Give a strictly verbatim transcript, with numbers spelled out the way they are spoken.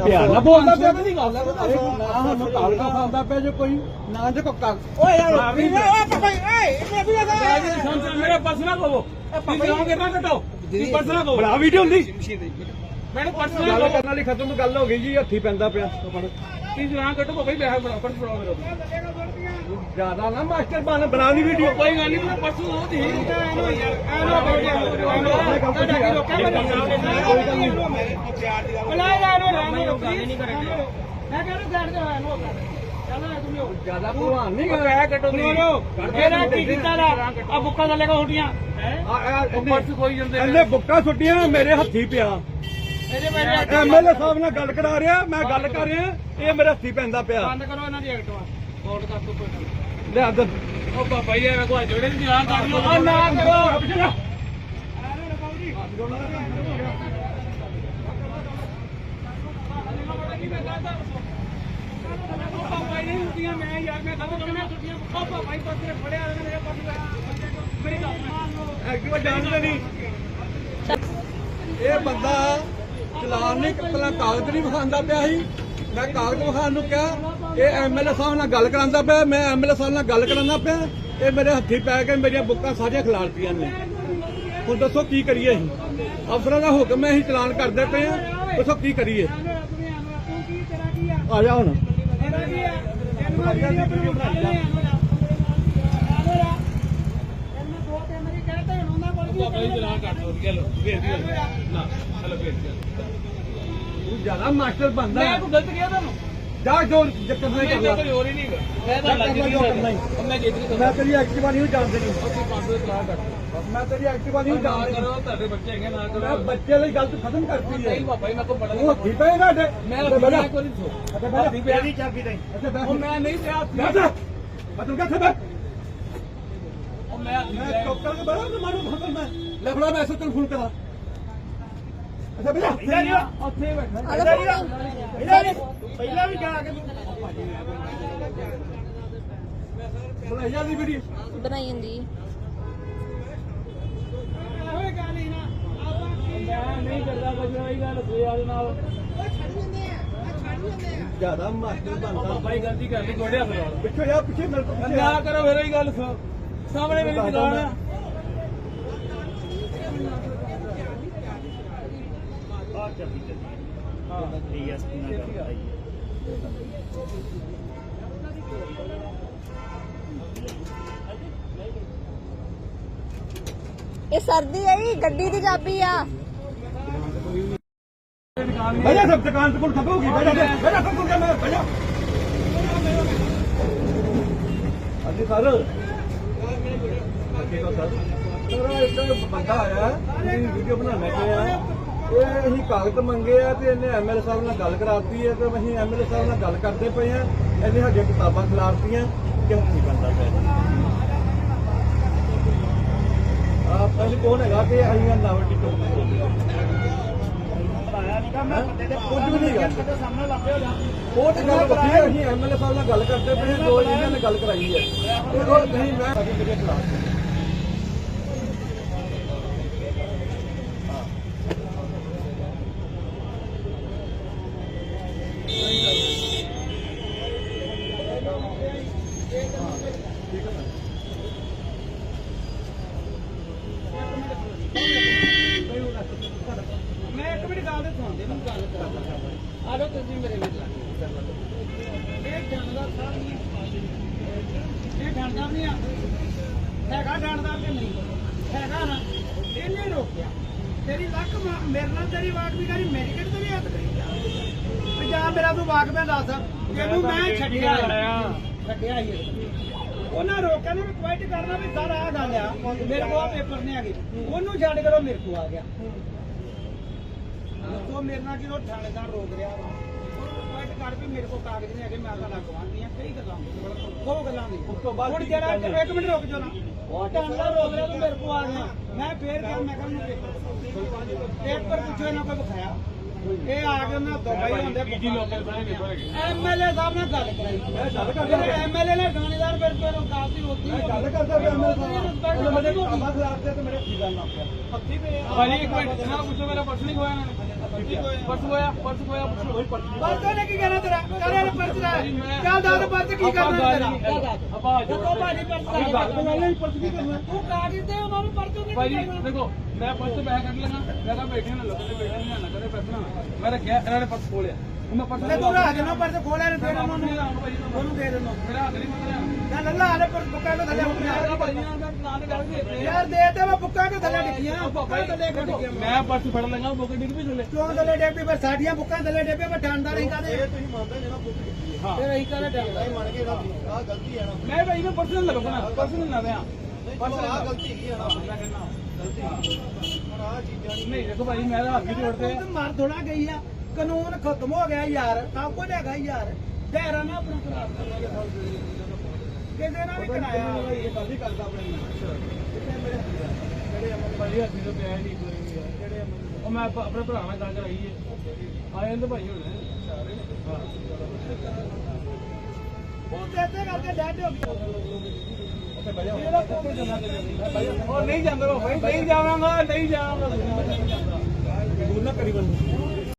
ਪਿਆਰ ਨਾਲ ਬੋਲਦਾ ਪਿਆ ਨਹੀਂ ਗੱਲ ਹੈ ਨਾ ਸਾਨੂੰ ਕਾਲ ਕਾ ਖਾਂਦਾ ਪਿਆ ਜੇ ਕੋਈ ਨਾ ਜੇ ਕੋ ਕਰ ਓਏ ਯਾਰ ਓਏ ਪਾਪਾ ਓਏ ਇਹ ਵੀ ਲਗਾ ਮੇਰੇ ਪਰਸ ਨਾ ਕਹੋ ਪਾਪਾ ਜਾਓਗੇ ਨਾ ਕਟੋ ਪਰਸ ਨਾ ਕਹੋ ਬੜਾ ਵੀਡੀਓ ਹੁੰਦੀ ਮੈਨੂੰ ਪਰਸ ਨਾ ਗੱਲ ਕਰਨ ਵਾਲੀ ਖਤਮ ਗੱਲ ਹੋ ਗਈ ਜੀ ਹੱਥੀ ਪੈਂਦਾ ਪਿਆ ਕੀ ਜਨਾ ਕਟੋ ਭਾਈ ਬੈਠਾ ਬੜਾ ਪਰਸ ਫੜਾਓ ਮੇਰਾ ਜਿਆਦਾ ਨਾ ਮਾਸਟਰ ਬਣ ਬਣਾ ਲਈ ਵੀਡੀਓ ਕੋਈ ਗੱਲ ਨਹੀਂ ਪਰਸੋਂ ਉਹ ਦੀ ਐਨੋ ਯਾਰ ਐਨੋ ਕੋਈ ਗੱਲ ਨਹੀਂ ਬੁਲਾਏ ਐਨੋ ਐਨੋ ਨਹੀਂ ਕਰਾਂਗੇ ਮੈਂ ਕਹਿੰਦਾ ਸਾਈਡ ਤੇ ਹੋਇਆ ਨੋ ਚੱਲ ਤੂੰ ਜਿਆਦਾ ਭਲਵਾਨ ਨਹੀਂ ਕਰ ਰਿਹਾ ਕਟੋ ਨਹੀਂ ਇਹਦਾ ਕੀ ਕੀਤਾ ਦਾ ਆ ਬੁੱਕਾ ਦਾ ਲੇਗਾ ਹੁਟੀਆਂ ਹੈ ਪਰਸ ਕੋਈ ਜਾਂਦੇ ਇਹਨੇ ਬੁੱਕਾ ਛੁੱਟੀਆਂ ਮੇਰੇ ਹੱਥੀ ਪਿਆ ਐਮਐਲਏ ਸਾਹਿਬ ਨਾਲ ਗੱਲ ਕਰਾ ਰਿਹਾ ਮੈਂ ਗੱਲ ਕਰ ਰਿਹਾ ਇਹ ਮੇਰੇ ਹੱਥੀ ਪੈਂਦਾ ਪਿਆ ਬੰਦ ਕਰੋ ਇਹਨਾਂ ਦੀ ਐਕਟਵਾ ਕੋਡ ਕਰ ਦੋ ਲੈ ਅੰਦਰ ਉਹ ਬਾਬਾ ਜੀ ਐਵੇਂ ਕੋਈ ਜੋੜੇ ਦੀ ਆਂ ਕਰ ਲੋ ਆ ਨਾ ਕਰੋ ਪਿੱਛੇ ਨਹੀਂ ਹੁੰਦੀਆਂ ਮੈਂ ਯਾਰ ਮੈਂ ਕਦੋਂ ਕਿਵੇਂ ਛੁੱਟੀਆਂ ਪਾਪਾ ਭਾਈ ਪਾਸੇ ਫੜਿਆ ਮੇਰੇ ਪਾਸੇ ਮੇਰੀ ਗੱਲ ਐਕਟਿਵਾ ਜਾਣਦਾ ਨਹੀਂ ਇਹ ਬੰਦਾ ਚਲਾਨ ਨਹੀਂ ਪਹਿਲਾਂ ਕਾਗਜ਼ ਨਹੀਂ ਵਿਖਾਉਂਦਾ ਪਿਆ ਸੀ ਮੈਂ ਕਾਗਜ਼ ਵਿਖਾਉਣ ਨੂੰ ਕਿਹਾ ਇਹ ਐਮਐਲਏ ਸਾਹਿਬ ਨਾਲ ਗੱਲ ਕਰਾਉਂਦਾ ਪਿਆ ਮੈਂ ਐਮਐਲਏ ਸਾਹਿਬ ਨਾਲ ਗੱਲ ਕਰਾਉਂਦਾ ਪਿਆ ਇਹ ਮੇਰੇ ਹੱਥੀ ਪੈ ਕੇ ਮੇਰੀਆਂ ਬੁੱਕਾਂ ਸਾਰੀਆਂ ਖਿਲਾਰਤੀਆਂ ਨੇ ਹੁਣ ਦੱਸੋ ਕੀ ਕਰੀਏ ਅਸੀਂ ਅਫਸਰਾਂ ਦਾ ਹੁਕਮ ਹੈ ਅਸੀਂ ਚਲਾਨ ਕਰਦੇ ਪਏ ਆ ਦੱਸੋ ਕੀ ਕਰੀਏ ਆ ਜਾ ਹੁਣ ਜਿਆਦਾ ਮਾਸਟਰ ਬਣਦਾ ਮੈਂ ਕੋਈ ਗਲਤ ਕਿਹਾ ਤੁਹਾਨੂੰ ਜਾ ਜੋ ਚੱਕਰ ਨਹੀਂ ਕਰਦਾ ਕੋਈ ਹੋਰ ਹੀ ਨਹੀਂ ਮੈਂ ਤਾਂ ਲੱਗ ਨਹੀਂ ਕਰਦਾ ਮੈਂ ਜਿੱਦ ਮੈਂ ਤੇਰੀ ਐਕਟਿਵਾ ਨਹੀਂ ਜਾਣਦੇ ਨਹੀਂ ਅਸੀਂ ਪੰਜ ਸੌ ਚਲਾ ਕੱਟ ਬਸ ਮੈਂ ਤੇਰੀ ਐਕਟਿਵਾ ਨਹੀਂ ਜਾਣਦਾ ਕਰੋ ਤੁਹਾਡੇ ਬੱਚੇ ਹੈਗੇ ਨਾ ਕਰੋ ਬੱਚੇ ਲਈ ਗਲਤ ਖਤਮ ਕਰਤੀ ਹੈ ਨਹੀਂ ਬਾਬਾ ਜੀ ਮੈਂ ਕੋ ਬੜਾ ਉਹ ਠੀਕ ਹੈ ਤੁਹਾਡੇ ਮੈਂ ਮੈਂ ਕੋਈ ਨਹੀਂ ਸੋ ਅੱਛਾ ਬੈਠ ਦੀ ਪਿਆਰੀ ਚਾਬੀ ਦੇ ਅੱਛਾ ਬੈਠ ਮੈਂ ਨਹੀਂ ਪਿਆ ਬੈਠ ਮੈਂ ਤੂੰ ਕਿੱਥੇ ਬੈਠ ਉਹ ਮੈਂ ਮੈਂ ਟੋਕਰ ਕੇ ਬੜਾ ਮਾਰੂ ਖਤਮ ਮੈਂ ਲੈ ਫੜਾ ਮੈਂ ਤੈਨੂੰ ਫੋਨ ਕਰਾਂ ਅੱਛਾ ਬੇਟਾ ਉੱਥੇ ਬੈਠਾ ਪਹਿਲਾਂ ਵੀ ਜਾ ਕੇ ਬਣਾਈ ਜਾਂਦੀ ਵੀਡੀਓ ਬਣਾਈ ਜਾਂਦੀ ਹੋਏ ਗੱਲ ਹੀ ਨਾ ਮੈਂ ਨਹੀਂ ਕਰਦਾ ਕੁਝ ਹੋਈ ਗੱਲ ਸੋਇਆ ਨਾਲ ਜਿਆਦਾ ਮਾਸਟਰ ਬਣਦਾ ਬਾਈ ਗਲਤੀ ਕਰ ਲਈ ਗੋੜਿਆ ਫਿਰ ਪਿੱਛੇ ਜਾ ਪਿੱਛੇ ਮੇਰੇ ਕੋਲ ਨਾ ਕਰੋ ਫਿਰ ਹੀ ਗੱਲ ਸਾਹਮਣੇ ਮੇਰੀ ਦੁਕਾਨ ਆ ਆ ਚੱਲੀ ਚੱਲੀ ਹਾਂ ਡੀਐਸਪੀ ਨਾਲ ਗੱਲ ਕਰਾਈ ਇਹ ਸਰਦੀ ਹੈ ਗੱਡੀ ਦੀ ਚਾਬੀ ਆ ਭਈਆ ਸਭ ਦੁਕਾਨ ਤੇ ਕੋਲ ਖਬੋਗੀ ਭਈਆ ਭਈਆ ਸਭ ਕੋਲ ਮੈਂ ਭਈਆ ਅੱਜ ਸਰ ਅੱਗੇ ਕੋ ਸਰ ਸਰ ਇੱਕ ਬੰਦਾ ਆਇਆ ਇਹ ਵੀਡੀਓ ਬਣਾਉਣਾ ਚਾਹਿਆ ਇਹ ਅਸੀਂ ਕਾਗਜ਼ ਮੰਗੇ ਆ ਤੇ ਇਹਨੇ ਐਮਐਲਏ ਸਾਹਿਬ ਨਾਲ ਗੱਲ ਕਰਾਤੀ ਹੈ ਤੇ ਅਸੀਂ ਐਮਐਲਏ ਸਾਹਿਬ ਨਾਲ ਗੱਲ ਕਰਦੇ ਪਏ ਆ ਇਹਨੇ ਸਾਡੀਆਂ ਕਿਤਾਬਾਂ ਖਿਲਾਰਤੀਆਂ ਕਿਉਂ ਨਹੀਂ ਬੰਦਾ ਪਿਆ ਆ ਪਹਿਲੇ ਕੌਣ ਹੈਗਾ ਕਿ ਅਸੀਂ ਨਾਵਟੀ ਤੋਂ ਆਇਆ ਨਹੀਂ ਮੈਂ ਕੁਝ ਵੀ ਨਹੀਂ ਗਾ ਸਾਹਮਣੇ ਲੱਗੇ ਹੋ ਜਾ ਉਹ ਤੇ ਗੱਲ ਵੱਖਰੀ ਹੈ ਅਸੀਂ ਐਮਐਲਏ ਸਾਹਿਬ ਨਾਲ ਗੱਲ ਕਰਦੇ ਪਏ ਦੋ ਇਹਨਾਂ ਨੇ ਗੱਲ ਕਰਾਈ ਹੈ ਇਹ ਹੋਰ ਨਹੀਂ ਮੈਂ ਸਾਡੇ ਮੇਰੇ ਖਿਲਾਫ ਮੈਂ ਇੱਕ ਮਿੰਟ ਗੱਲ ਸੁਣਦੇ ਨੂੰ ਗੱਲ ਕਰਾਂ ਆ ਲੋ ਤੁਸੀਂ ਮੇਰੇ ਵਿੱਚ ਇਹ ਜਾਣਦਾ ਸਾਰ ਨਹੀਂ ਇਹ ਜਾਣਦਾ ਨਹੀਂ ਆ ਹੈਗਾ ਜਾਣਦਾ ਕਿ ਨਹੀਂ ਹੈਗਾ ਨਾ ਇਹਨੇ ਰੋਕਿਆ ਤੇਰੀ ਲੱਕ ਮੇਰੇ ਨਾਲ ਤੇਰੀ ਵਾਟ ਵੀ ਕਰੀ ਮੇਰੀ ਕਿਹੜੀ ਤੇਰੀ ਹੱਥ ਕਰੀ ਪੰਜਾਬ ਮੇਰਾ ਤੂੰ ਵਾਕ ਮੈਂ ਦੱਸ ਇਹਨੂੰ ਮੈਂ ਛੱਡਿਆ ਛੱਡਿਆ ਹੀ ਉਹਨਾਂ ਰੋਕਿਆ ਨੂੰ ਰਿਕੁਐਸਟ ਕਰਨਾ ਵੀ ਸਰ ਆਹ ਗੱਲ ਆ ਮੇਰੇ ਕੋਲ ਪੇਪਰ ਨਹੀਂ ਹੈਗੇ ਉਹਨੂੰ ਛੱਡ ਕਰੋ ਮੇਰੇ ਕੋਲ ਆ ਗਿਆ ਉਹ ਮੇਰੇ ਨਾਲ ਕਿਉਂ ਥਾਣੇਦਾਰ ਰੋਕ ਰਿਹਾ ਰਿਕੁਐਸਟ ਕਰ ਵੀ ਮੇਰੇ ਕੋਲ ਕਾਗਜ਼ ਨਹੀਂ ਹੈਗੇ ਮੈਂ ਤਾਂ ਲਗਵਾਉਣੀ ਆ ਕਈ ਗੱਲਾਂ ਉਹ ਗੱਲਾਂ ਦੀ ਉਸ ਤੋਂ ਬਾਅਦ ਹੁਣ ਜਿਹੜਾ ਇੱਕ ਮਿੰਟ ਰੁਕ ਜਾਓ ਨਾ ਉਹ ਥਾਣੇਦਾਰ ਰੋਕ ਰਿਹਾ ਤੂੰ ਮੇਰੇ ਕੋਲ ਆ ਗਿਆ ਮੈਂ ਫੇਰ ਕਿਹਾ ਮੈਂ ਕਹਿੰਦਾ ਪੇਪਰ ਪੁੱਛੋ ਇਹਨਾਂ ਕੋਲ ਵਿਖਾਇਆ ਇਹ ਆ ਕੇ ਉਹਨਾਂ ਦੁਬਈ ਹੁੰਦੇ ਪੀਜੀ ਲੋਕਲ ਬਣੇ ਐਮਐਲਏ ਸਾਹਿਬ ਨਾਲ ਗੱਲ ਕਰਾਈ ਗੱਲ ਕਰਦੇ ਐਮਐਲਏ ਨੇ ਥਾਣੇਦਾਰ ਮੇਰੇ ਕੋਲ ਕਾਫੀ ਹੋਤੀ ਗੱਲ ਕਰਦਾ ਵੀ ਐਮਐਲਏ ਸਾਹਿਬ ਮੇਰੇ ਕੋਲ ਖਬਰ ਖਿਲਾਫ ਤੇ ਮੇਰੇ ਕੀ ਗੱਲ ਨਾ ਪਿਆ ਹੱਥੀ ਪਏ ਭਾਜੀ ਇੱਕ ਮਿੰਟ ਨਾ ਪੁੱਛੋ ਮੇਰਾ ਪਰਸ ਨਹੀਂ ਖੋਇਆ ਇਹਨਾਂ ਨੇ ਪਰਸ ਹੋਇਆ ਪਰਸ ਹੋਇਆ ਪਰਚਾ ਨੇ ਕੀ ਕਹਿਣਾ ਤੇਰਾ ਕਰੇ ਪਰਚ ਲੈ ਚੱਲ ਦੱਸ ਪਰਚ ਕੀ ਕਰਨਾ ਤੇਰਾ ਆਪਾਂ ਜਦੋਂ ਭਾਜੀ ਪਰਚ ਗੱਲ ਤਾਂ ਗੱਲ ਨਹੀਂ ਪਰਸ ਕੀ ਕਰਨਾ ਤੂੰ ਕਾਗਜ਼ ਦੇ ਉਹਨਾਂ ਨੂੰ ਪਰਚੋਂ ਦੇ ਭਾਈ ਦੇਖੋ ਮੈਂ ਪਰਸ ਬੈਗ ਕੱਢ ਲੈਣਾ ਮੈਂ ਕਿਹਾ ਬੈਠੇ ਨਾ ਲੱਗਦੇ ਬੈਠੇ ਨਾ ਕਦੇ ਬੈਠਣਾ ਮੈਂ ਰੱਖਿਆ ਇਹਨਾਂ ਨੇ ਪਰਸ ਖੋਲਿਆ ਮੈਂ ਪਰਸ ਤੇ ਤੂੰ ਰਾਜ ਨਾ ਪਰਚ ਖੋਲਿਆ ਨੇ ਦੇ ਉਹਨਾਂ ਨੂੰ ਉਹਨੂੰ ਦੇ ਦੇਣਾ ਮੇਰਾ ਹੱਥ ਨਹੀਂ ਮੰਗਿਆ ਚੱਲ ਅੱਲਾ ਆਲੇ ਪਰ ਬੁੱਕਾਂ ਤੋਂ ਥੱਲੇ ਉੱਠਿਆ ਭਾਈ ਨਾਲ ਦੇ ਗੱਲ ਕੀ ਯਾਰ ਦੇ ਤੇ ਮੈਂ ਬੁੱਕਾਂ ਤੋਂ ਥੱਲੇ ਡਿੱਗੀਆਂ ਬੁੱਕਾਂ ਥੱਲੇ ਡਿੱਗੀਆਂ ਮੈਂ ਪਰਸ ਫੜ ਲਾਂਗਾ ਬੁੱਕ ਡਿੱਗ ਵੀ ਥੱਲੇ ਕਿਉਂ ਥੱਲੇ ਡਿੱਗਦੀ ਫਿਰ ਸਾਡੀਆਂ ਬੁੱਕਾਂ ਥੱਲੇ ਡਿੱਗੇ ਮੈਂ ਡਾਂਦਾ ਨਹੀਂ ਕਾਦੇ ਤੁਸੀਂ ਮੰਨਦੇ ਜੇ ਨਾ ਬੁੱਕ ਕੀਤੀ ਹੈ ਹਾਂ ਫਿਰ ਅਸੀਂ ਕਾਦੇ ਡਾਂਦਾ ਮੰਨ ਕੇ ਨਾ ਆ ਗਲਤੀ ਹੈ ਨਾ ਮੈਂ ਭਾਈ ਮੈਂ ਪਰਸ ਨਹੀਂ ਲਗਾਉਣਾ ਪਰਸ ਨਹੀਂ ਲਾਵਿਆ ਪਰਸ ਆ ਗਲਤੀ ਹੈਗੀ ਹੈ ਨਾ ਮੈਂ ਕਹਿੰਦਾ ਗਲਤੀ ਹੁਣ ਆ ਚੀਜ਼ਾਂ ਨਹੀਂ ਨਹੀਂ ਦੇਖੋ ਭਾਈ ਮੈਂ ਤਾਂ ਹੱਥ ਵੀ ਜੋੜਦੇ ਤੂੰ ਮਾਰ ਥੋੜਾ ਗਈ ਆ ਕਾਨੂੰਨ ਖਤਮ ਹੋ ਗਿਆ ਯਾਰ ਸਭ ਕੁਝ ਹੈਗਾ ਯਾਰ ਦਾਇਰਾ ਨਾ ਆਪਣਾ ਖਰਾਬ ਕਰਨਾ ਕਿਸੇ ਨਾਲ ਵੀ ਕਰਾਇਆ ਇਹ ਬਾਦੀ ਕਰਦਾ ਆਪਣੇ ਜਿਹੜੇ ਅਮਨ ਭਾਈ ਹੱਥੀ ਤੋਂ ਪਿਆ ਨਹੀਂ ਕੋਈ ਜਿਹੜੇ ਉਹ ਮੈਂ ਆਪ- ਆਪਣੇ ਭਰਾ ਨਾਲ ਗੱਲ ਕਰਾਈ ਹੈ ਆਏ ਨੇ ਭਾਈ ਹੁਣ ਹਾਂ ਉਹ ਦੇਤੇ ਕਰਕੇ ਡੈਡ ਹੋ ਗਿਆ ਉਹ ਨਹੀਂ ਜਾਂਦਾ ਭਾਈ ਨਹੀਂ ਜਾਵਾਂਗਾ ਨਹੀਂ ਜਾਵਾਂਗਾ ਦੂਰ ਨਾ ਕਰੀ ਬੰਦ